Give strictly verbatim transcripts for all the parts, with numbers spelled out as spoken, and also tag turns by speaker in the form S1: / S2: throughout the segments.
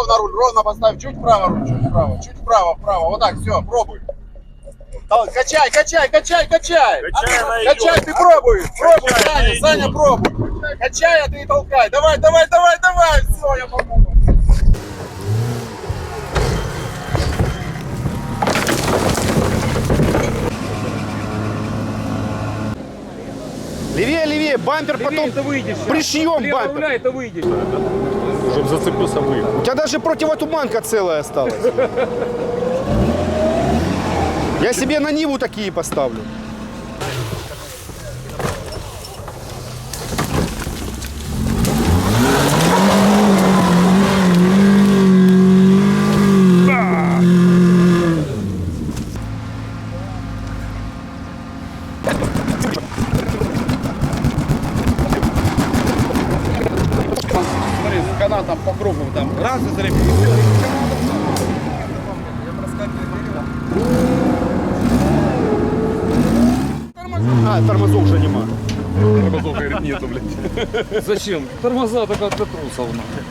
S1: ровно руль, ровно поставь, чуть вправо руль, чуть вправо, чуть вправо, вправо, вот так, все, пробуй. Качай, качай, качай, качай.
S2: Качай,
S1: качай, ты пробуй, пробуй, Саня, Саня, пробуй. Качай, а ты и толкай. Давай, давай, давай, давай, все, я помогу.
S3: Левее, левее, бампер потом пришьем бампер.
S4: это выйдешь.
S2: Чтобы зацепился выехал.
S3: У тебя даже противотуманка целая осталась. Я себе на Ниву такие поставлю.
S4: Смотри, с канатом по кругу там раз и залепил.
S3: А, тормозов уже нема.
S2: Тормозов, говорит, нету, блядь.
S4: Зачем? Тормоза только для трусов.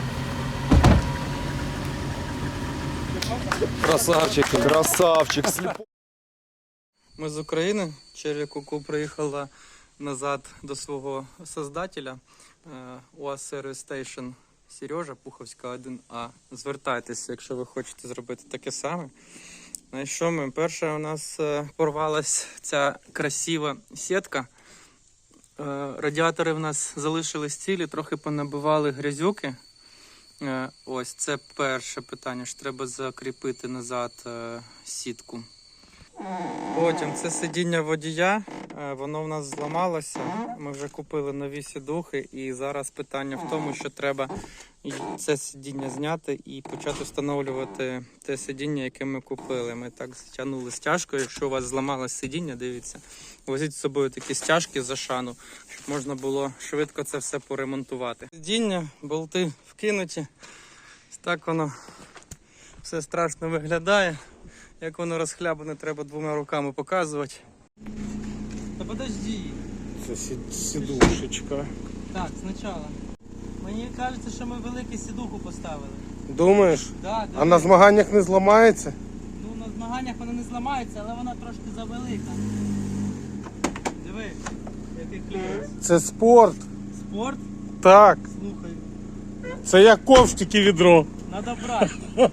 S4: Красавчик.
S3: Красавчик.
S5: Ми з України. Черрі Куку приїхала назад до свого создателя УАЗ Service Station Сережа, Пуховська один А. Звертайтеся, якщо ви хочете зробити таке саме. На що ми? Перше, у нас порвалась ця красива сітка. Радіатори в нас залишились цілі, трохи понабивали грязюки. Ось це перше питання, що треба закріпити назад сітку. Потім це сидіння водія, воно в нас зламалося, ми вже купили нові сідухи і зараз питання в тому, що треба це сидіння зняти і почати встановлювати те сидіння, яке ми купили. Ми так стягнули стяжкою, якщо у вас зламалось сидіння, дивіться, возіть з собою такі стяжки за шану, щоб можна було швидко це все поремонтувати. Сидіння, болти вкинуті, так воно все страшно виглядає. Як воно розхлябане, треба двома руками показувати. Та подожди.
S2: Це сідушечка.
S5: Так, спочатку. Мені кажеться, що ми велику сідуху поставили.
S2: Думаєш?
S5: Да,
S2: А на змаганнях не зламається?
S5: Ну, на змаганнях вона не зламається, але вона трошки завелика. Диви, який клієнт.
S2: Це спорт.
S5: Спорт?
S2: Так.
S5: Слухай,
S2: Це як ковш, тільки відро.
S5: треба брати.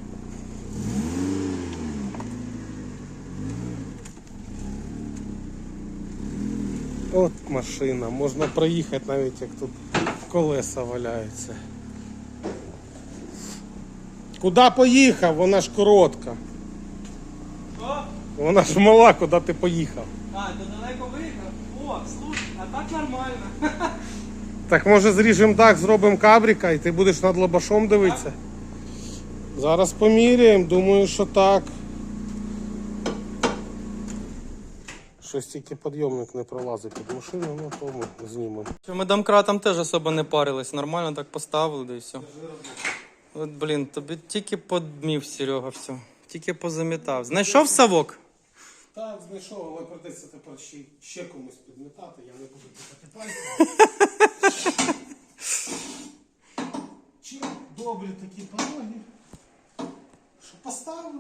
S2: От машина, можна проїхати навіть як тут колеса валяються. Куди поїхав? Вона ж коротка.
S5: Що?
S2: Вона ж мала, куди ти поїхав.
S5: А, то далеко виїхав? О, слухай, а так нормально.
S2: Так може зріжемо так, зробимо кабрика і ти будеш над лобашом дивитися? Зараз поміряємо, думаю, що так. Щось тільки підйомник не пролазить під машину, ну то ми знімемо.
S5: Ми домкратом теж особо не парились, нормально так поставили, да і все. От, блін, тобі тільки подмів, Серега, все. Тільки позамітав. Знайшов совок?
S2: Так, знайшов, але придеться тепер ще, ще комусь підмітати, я не буду пихати пальцем. Чи добрі такі пороги, що поставив?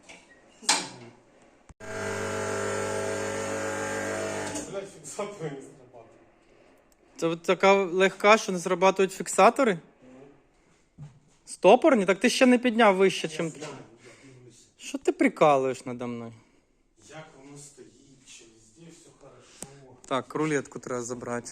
S2: Блять, фіксатори не зрабатують.
S5: Це от така легка, що не зрабатують фіксатори? Стопорні? Так ти ще не підняв вище, чим... Що ти прикалуєш надо мною?
S2: Як воно стоїть, чи везде все хорошо.
S5: Так, рулетку треба забрати.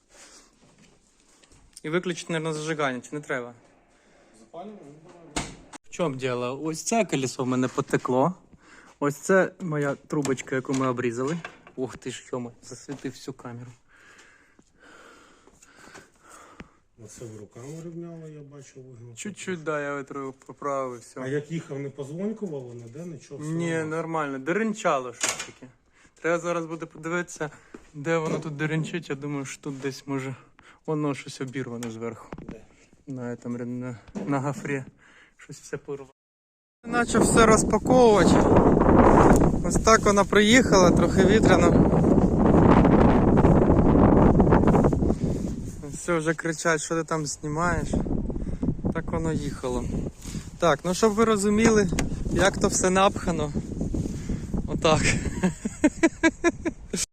S5: І виключити, мабуть, зажигання, чи не треба?
S2: Запалюємо? Давай.
S5: В чому діло? Ось це колесо в мене потекло. Ось це моя трубочка, яку ми обрізали. Ох ти ж, йома, засвітив всю камеру.
S2: Оце в руками рівняло, я бачу, вигнув.
S5: Чуть-чуть, да, я витру поправив, все.
S2: А як їхав, не позвонькувало, не де, нічого? все
S5: Ні,
S2: нормально.
S5: нормально, деренчало щось таке. Треба зараз буде подивитися, де воно тут деренчить. Я думаю, що тут десь може воно щось обірване зверху.
S2: Де?
S5: На, там, на, на гафрі щось все порвало. Почав все розпаковувати. Ось так вона приїхала, трохи вітряно. Все, вже кричать, що ти там знімаєш. Так воно їхало. Так, ну щоб ви розуміли, як то все напхано. Отак.